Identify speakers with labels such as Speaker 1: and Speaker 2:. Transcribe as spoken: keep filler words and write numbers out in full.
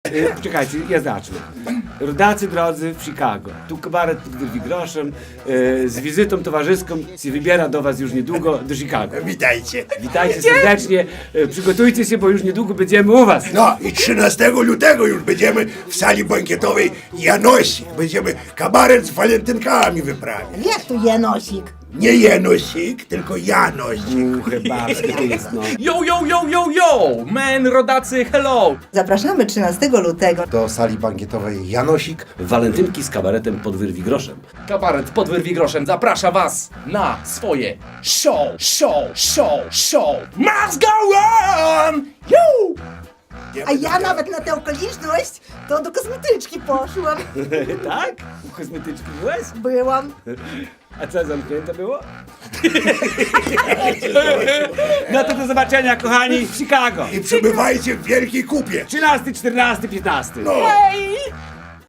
Speaker 1: E, Czekajcie, ja zacznę. Rodacy drodzy w Chicago. Tu kabaret pod Wyrwigroszem e, z wizytą towarzyską się wybiera do was już niedługo do Chicago.
Speaker 2: Witajcie.
Speaker 1: Witajcie serdecznie, e, przygotujcie się, bo już niedługo będziemy u was.
Speaker 2: No i trzynastego lutego już będziemy w sali bankietowej Janosik. Będziemy kabaret z walentynkami wyprawiać.
Speaker 3: Jak tu Janosik?
Speaker 2: Nie Janosik, tylko Janosik.
Speaker 1: U, chyba, to jest no.
Speaker 4: Yo, yo, yo, yo, yo! Men, rodacy, hello!
Speaker 3: Zapraszamy trzynastego lutego.
Speaker 2: Do sali bankietowej Janosik.
Speaker 1: Walentynki z kabaretem pod Wyrwigroszem.
Speaker 4: Kabaret pod Wyrwigroszem zaprasza was na swoje show, show, show, show! Must go on! Yo!
Speaker 3: A ja nawet na tę okoliczność to do kosmetyczki poszłam.
Speaker 1: Tak? U kosmetyczki byłeś?
Speaker 3: Byłam.
Speaker 1: A co, zamknięte było? No to do zobaczenia, kochani, w Chicago.
Speaker 2: I przybywajcie w wielkiej kupie.
Speaker 1: trzynasty, czternasty, piętnasty.
Speaker 2: No.
Speaker 4: Hej!